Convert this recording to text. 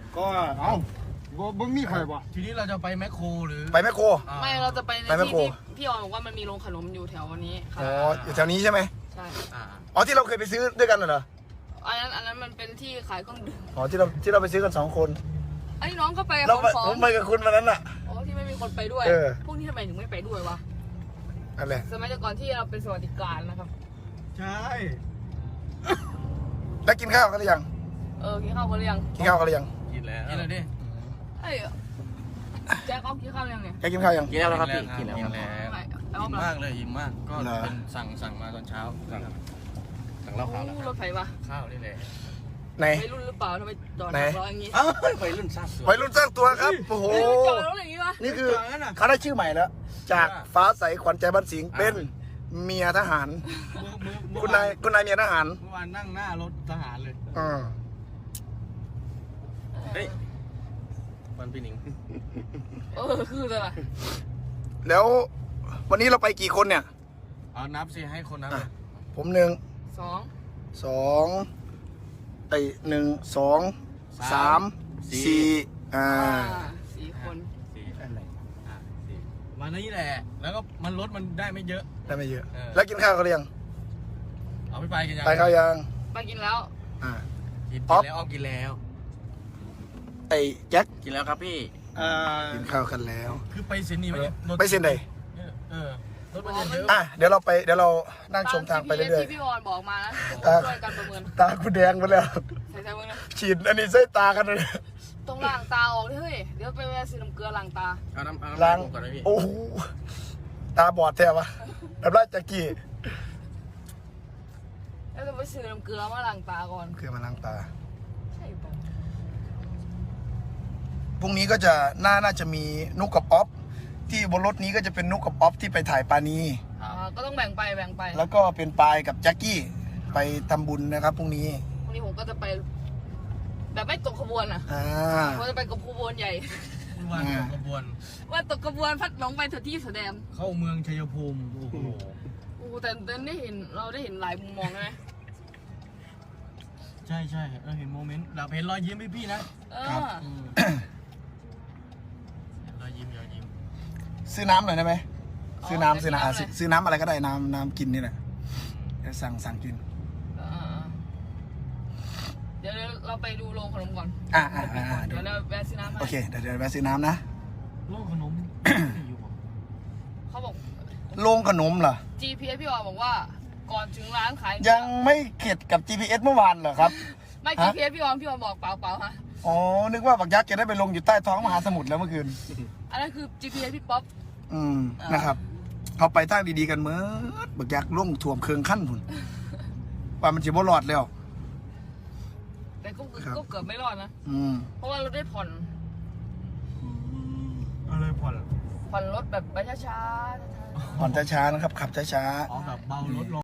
ก็บ่มีใครบ่ทีนี้เราจะไปแมคโครหรือไปแมคโครไม่เราจะไปในไปแมคที่โครที่พี่ออนบอกว่ามันมีโรงขนมอยู่แถวนี้ค่ะอ๋ออยู่แถวนี้ใช่ไหมใช่อ๋อที่เราเคยไปซื้อด้วยกันเหรออันนั้นมันเป็นที่ขายเครื่องดื่มอ๋อที่เราไปซื้อกัน2 คนไอ้น้องก็ไปเราของผมไปกับคุณวันนั้นน่ะอ๋อที่ไม่มีคนไปด้วยเออพวกนี้ทำไมถึงไม่ไปด้วยวะนั่นแหละสมัยก่อนที่เราเป็นสวัสดิการนะครับใช่แล้วกินข้าวกันหรือยังกินข้าวกันหรือยังกินข้าวกันหรือยังกินแล้วกินเลยดิเอ้ยแจ็คเอากินข้าวหรือยังเนี่ยแกกินข้าวยังกินแล้วครับพี่กินแล้วกินแล้วไม่อิ่มมากเลยอิ่มมากก็เหรอเป็นสั่งมาตอนเช้าสั่งเหล้าขาวแล้วรถไฟวะข้าวนี่แหละไหนวัยรุ่นหรือเปล่าทำไมจอดไหนรออย่างงี้อ้าววัยรุ่นสร้างสวนวัยรุ่นสร้างตัวครับโอ้โหเฮ้ยจอดรถอย่างงี้วะนี่คือเขาได้ชื่อใหม่แล้ว จากฟ้าใสขวัญใจบ้านสิงห์เป็นเมียทหาร คุณนายเมียทหารเมื่อวานนั่งหน้ารถทหารเลยอ่าเฮ้ยวันพี่หนิงคืออะไรแล้ววันนี้เราไปกี่คนเนี่ยเอานับสิให้คนนับอ่ะเลยผมสอง 1 2 1 2 3 4 4 คนสี่วันนี้แหละ แล้วก็มันรถมันได้ไม่เยอะได้ไม่เยอะเออแล้วกินข้าวกันหรือยังเอาไปกินยังไปข้าวยังไปกินแล้วอ่ากินป๊อปแล้วกินแล้วไอ้แจ็คกินแล้วครับพี่กินข้าวกันแล้วคือไปเซนนี่ไหมเนี่ยรถไปเส้นใดรถมันจะเยอะอ่ะเดี๋ยวเรานั่งชมทางไปเรื่อยที่พี่ออนบอกมานะๆตาช่วยกันประเมินตากูแดงไปแล้วใส่มือนะฉีดอันนี้ใส่ตากันเลยต้องล้างตาออกดิเฮ้ยเดี๋ยวไปแวะซื้อน้ำเกลือล้างตาเอาน้ำล้างก่อนนะพี่โอ้โหตาบอดแท้ปะน้ำลายจากกี้แล้วจะไปซื้อน้ำเกลือมาล้างตาก่อนคือมาล้างตาใช่ปะพรุ่งนี้ก็จะน่าจะมีนุกกับอ๊อฟที่บนรถนี้ก็จะเป็นนุกกับอ๊อฟที่ไปถ่ายปานีก็ต้องแบ่งไปแล้วก็เป็นปายกับแจ็คกี้ไปทำบุญนะครับพรุ่งนี้วันนี้ผมก็จะไป แบบไม่ตกขบวนอ่ะอ่าผมจะไปกับขบวนใหญ่วันตกขบวนว่าตกขบวนพัดหลงไปเถอะที่แสดงเข้าเมืองชัยภูมิโอ้โหโอ้แต่เราได้เห็นหลายมุมมองใช่ไหมใช่เราเห็นโมเมนต์เราเห็นรอยยิ้มพี่นะ รอยยิ้มซื้อน้ำหน่อยได้ไหมซื้อน้ำซื้อน้ำอะไรซื้อน้ำอะไรก็ได้น้ำกินนี่แหละเดี๋ยวสั่งกินเดี๋ยวเราไปดูโรงขนมก่อนเดี๋เดี๋ยยว วเราแวะซื้อน้ำให้โอเคเดี๋ยวแวะซื้อน้ำนะโลกขนมอยู่บ่เขาบอกโรงขนมเหรอ GPS พี่ออนบอกว่าก่อนถึงร้านขายยังไม่เข็ดกับ GPS เมื่อวานเหรอครับไม่ฮะ GPS พี่ออนบอกเปล่าฮะอ๋อนึกว่าบักยักษ์จะได้ไปลงอยู่ใต้ท้องมหาสมุทรแล้วเมื่อคืนอันนั้นคือ GPS พี่ป๊อปนะครับเขาไปทางดีๆกันเมื่อบักยักษ์ล่วงถ่วมเคืองขั้นพุ่นว่ามันจะบ่รอดแล้วแต่ก็ครับเกือบไม่รอดนะ เพราะว่าเราได้ผ่อนอะไรผ่อนรถแบบไปช้าๆผ่อนช้าๆนะครับขับช้าๆอ๋อแบบเบารถลง